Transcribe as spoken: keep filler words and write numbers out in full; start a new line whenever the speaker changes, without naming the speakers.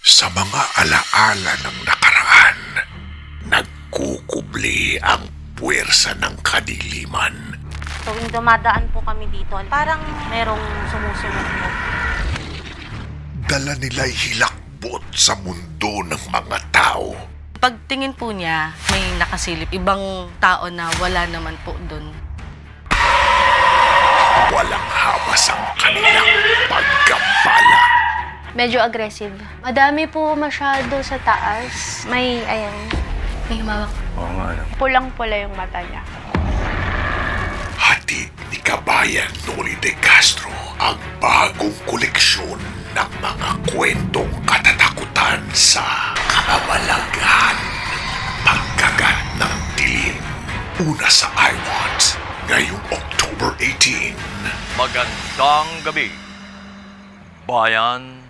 Sa mga alaala ng nakaraan, nagkukubli ang puwersa ng kadiliman.
Tuwing dumadaan po kami dito, parang merong sumusunod po.
Dala nila'y hilakbot sa mundo ng mga tao.
Pagtingin po niya, may nakasilip. Ibang tao na wala naman po doon.
Walang habas ang kanilang pagkampala.
Medyo aggressive. Madami po masyado sa taas. May, ayan, may humawak.
Oo nga.
Pulang-pula yung mata niya.
Hatid ni Kabayan Noli de Castro ang bagong koleksyon ng mga kwentong katatakutan sa kamalaghan. Pagkagat ng dilim. Una sa iWatch ngayong October eighteenth.
Magandang gabi, Bayan